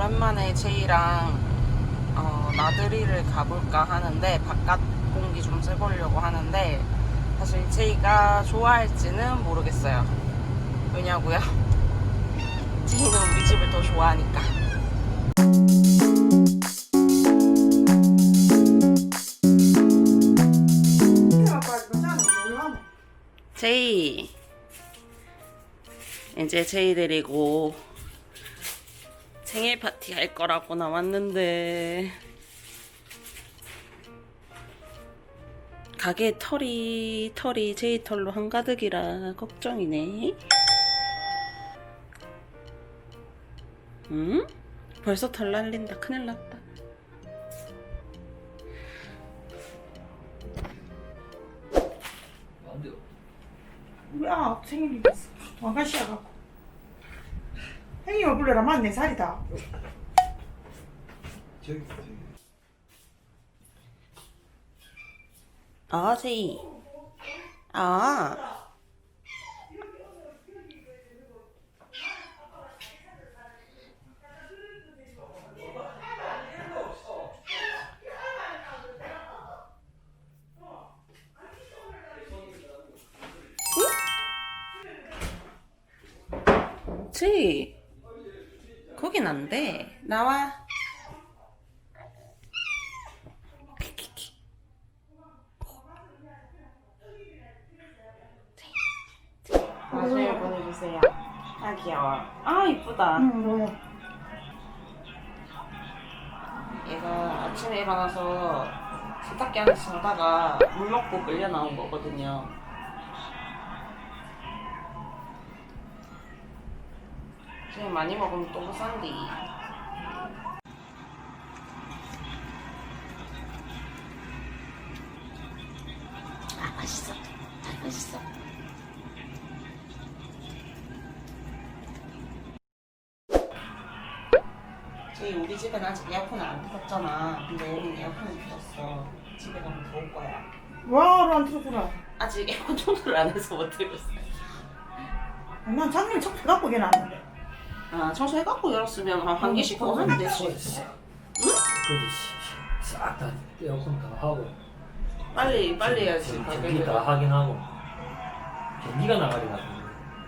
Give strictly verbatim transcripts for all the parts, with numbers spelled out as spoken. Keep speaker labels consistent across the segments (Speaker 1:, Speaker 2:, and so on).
Speaker 1: 오랜만에 제이랑 어, 나들이를 가볼까 하는데 바깥 공기 좀 쐬보려고 하는데 사실 제이가 좋아할지는 모르겠어요. 왜냐고요? 제이는 우리 집을 더 좋아하니까. 제이 이제 제이 데리고 생일 파티 할 거라고 나왔는데 가게 털이 털이 제이 털로 한가득이라 걱정이네. 응? 벌써 털 날린다. 큰일 났다.
Speaker 2: 야 생일이 왕가시야 갖고 행님을 불러라. 만 네 살이다.
Speaker 3: 저기 저기
Speaker 1: 아 제이 아 제이 거긴 안 돼. 나와. 사진 보내주세요. 아 귀여워. 아 이쁘다.
Speaker 2: 응 뭐야.
Speaker 1: 얘가 아침에 일어나서 세탁기 안에서 자다가 물 먹고 끌려 나온 거거든요. 지금 많이 먹으면 똥 싼디. 아 맛있어. 아 맛있어. 저희 우리 집은 아직 에어컨을 안 틀었잖아. 근데 여긴 에어컨을 틀었어. 집에 가면 더울 거야.
Speaker 2: 와로 안 틀었구나.
Speaker 1: 아직 에어컨 청소를 안 해서 못 틀었어요.
Speaker 2: 난 작년에 청 갖고 걔는 왔는데.
Speaker 1: 아 청소해갖고 열었으면 한 환기씩 더 하면 되지.
Speaker 3: 그지 싹다 에어컨 다 하고
Speaker 1: 빨리 빨리 해야지.
Speaker 3: 전기 다 하긴 하고 전기가 나가리 가지고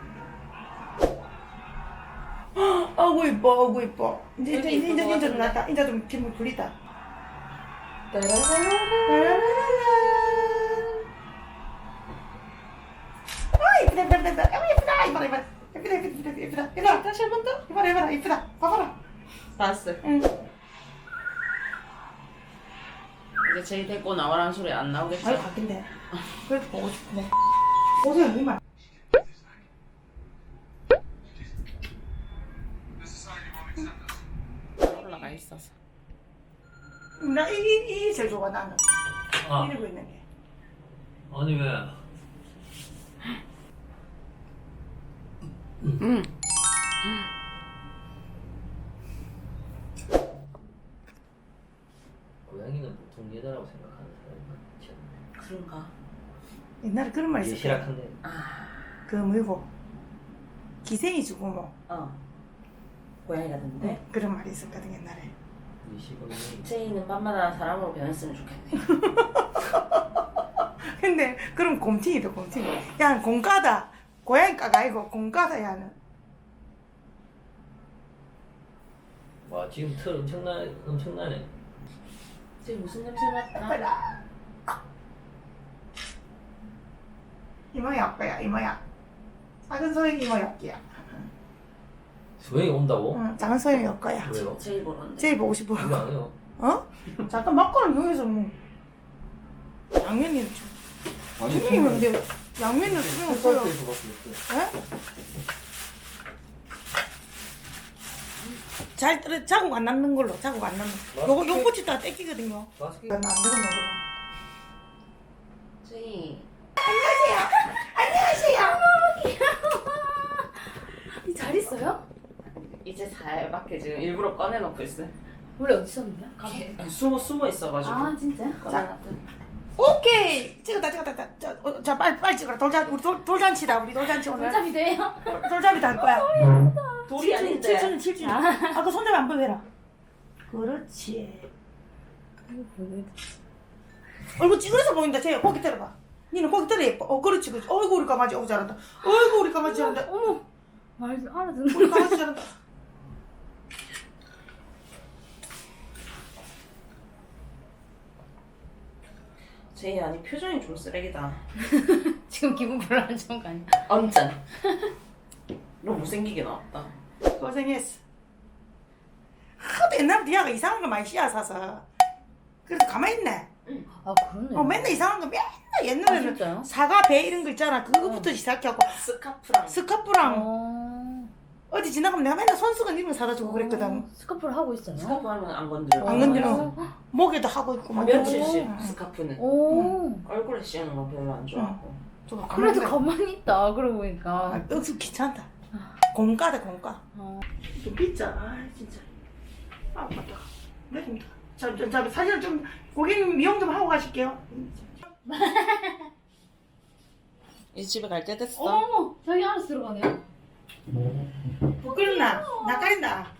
Speaker 2: 아구 이뻐 아구 이뻐. 이제 이제
Speaker 1: 되게
Speaker 2: 이제
Speaker 1: 이쁜 것
Speaker 2: 이제 좀
Speaker 1: 같은데?
Speaker 2: 났다. 이제 좀 기분 풀리다.
Speaker 1: 따라라라라.
Speaker 2: 아 이쁘다 이쁘다 이쁘다. 아 이쁘다 이쁘다 이쁘다 이쁘다 이쁘다 이쁘다 이쁘다.
Speaker 1: 다시 한 번 더.
Speaker 2: 이봐라 이봐라 이쁘다. 봐봐라.
Speaker 1: 봤어.
Speaker 2: 응.
Speaker 1: 이제 제이 데리고 나와라는 소리 안 나오겠지?
Speaker 2: 아유 바뀐데. 그래도 보고 싶네. 보세요 이만.
Speaker 1: 올라가 있어서.
Speaker 2: 나이이 제일 좋아 나는.
Speaker 3: 아
Speaker 2: 이러고 있는 게.
Speaker 3: 아니 왜
Speaker 1: 응.
Speaker 3: 고양이는 보통 여자라고 생각하는 사람이 많지 않나
Speaker 1: 그런가?
Speaker 2: 옛날에 그런 말 있었어.
Speaker 3: 예시락한데
Speaker 1: 아,
Speaker 2: 그 뭐고 기생이 주고 뭐
Speaker 1: 어. 고양이가 됐는데?
Speaker 2: 응, 그런 말이 있었거든 옛날에.
Speaker 3: 예시건이
Speaker 1: 제이는 밤마다 사람으로 변했으면 좋겠네.
Speaker 2: 근데 그럼 곰팅이다 곰팅. 야 공가다. 고양이가가 아니고 공가다 야는.
Speaker 3: 와 지금 털 엄청나 엄청나네
Speaker 1: 제이 무슨 냄새 맡나?
Speaker 2: 아빠다. 이모야 아빠야 이모야. 작은 소영이 이모 엽기야.
Speaker 3: 소영이 온다고?
Speaker 2: 응, 작은 소영이 엽 거야.
Speaker 3: 왜요?
Speaker 1: 제이 보는데.
Speaker 2: 제일 보고 싶어.
Speaker 3: 이거 안 해요
Speaker 2: 어? 잠깐 막걸리 여기서 뭐 양면이
Speaker 3: 아니
Speaker 2: 수명이 근데 양면은 수명 없어요.
Speaker 3: 햇살에서 밖에 없어요
Speaker 2: 에? 잘 떨어 자국 안 남는 걸로 자국 안 남는. 요거 요 꼬치다가 떼끼거든요.
Speaker 3: 마스크
Speaker 2: 이건 안 되겠나 그럼.
Speaker 1: 제이.
Speaker 2: 안녕하세요.
Speaker 4: 잘 있어요?
Speaker 1: 이제 살밖에 지금 일부러 꺼내놓고 있어.
Speaker 4: 원래 어디 있었는데?
Speaker 1: 걔 숨어 숨어 있어가지고.
Speaker 4: 아 진짜?
Speaker 1: 꺼내놨더니.
Speaker 2: 오케이 찍었다 찍었다. 자, 자, 어, 자 빨리 빨리 찍어라. 돌잔 우리 돌, 돌잔치다 우리 돌잔치 오늘.
Speaker 4: 돌잡이 돼요?
Speaker 2: 돌잡이도 할 거야.
Speaker 1: 돌이 아닌데.
Speaker 2: 칠순 칠순. 아까 손잡이 안 보여라. 그렇지. 얼굴 찌그러서 보인다. 쟤 고기 들어봐. 니는 고기 들어 예뻐. 어 그렇지 그렇지. 어이구 우리 강아지 어우 잘한다. 어이구 우리 강아지 잘한다.
Speaker 4: 어머 말도 알아듣는
Speaker 2: 우리 강아지 잘한다.
Speaker 1: 제이 아니 표정이 좀 쓰레기다.
Speaker 4: 지금 기분 별로 안 좋은 거 아니야?
Speaker 1: 완전. 너무 못생기게 나왔다.
Speaker 2: 고생했어. 하도 옛날부터 야가 이상한 거 많이 씨앗사서 그래서 가만히 있네.
Speaker 4: 아 그러네.
Speaker 2: 어 맨날 이상한 거 맨날
Speaker 4: 아,
Speaker 2: 옛날에는
Speaker 4: 진짜요?
Speaker 2: 사과 배 이런 거 있잖아. 그거부터 시작하고
Speaker 1: 스카프랑.
Speaker 2: 스카프랑
Speaker 4: 어...
Speaker 2: 어디 지나가면 내가 맨날 손수건 이런 거 사다 주고 그랬거든.
Speaker 4: 어, 스카프를 하고 있어요?
Speaker 1: 스카프 하면 안 건드려.
Speaker 2: 안 건드려.
Speaker 4: 어.
Speaker 2: 목에도 하고 있고 막
Speaker 1: 며칠씩
Speaker 2: 응.
Speaker 1: 스카프는.
Speaker 4: 오.
Speaker 1: 얼굴에 씌우는 거 별로 안 좋아하고.
Speaker 2: 좀 가만히
Speaker 4: 그래도
Speaker 2: 있어.
Speaker 4: 가만히 있다. 그러고 보니까.
Speaker 2: 아, 억수 귀찮다. 공과다 공과.
Speaker 4: 어.
Speaker 2: 좀 빗자. 아 진짜. 아 맞다. 내립니다. 자, 자, 자 사실 좀 고객님 미용 좀 하고 가실게요.
Speaker 1: 이제 집에 갈 때 됐어.
Speaker 4: 어머, 자기 안에서 들어가네요.
Speaker 2: 부끄럽나? 나 가린다.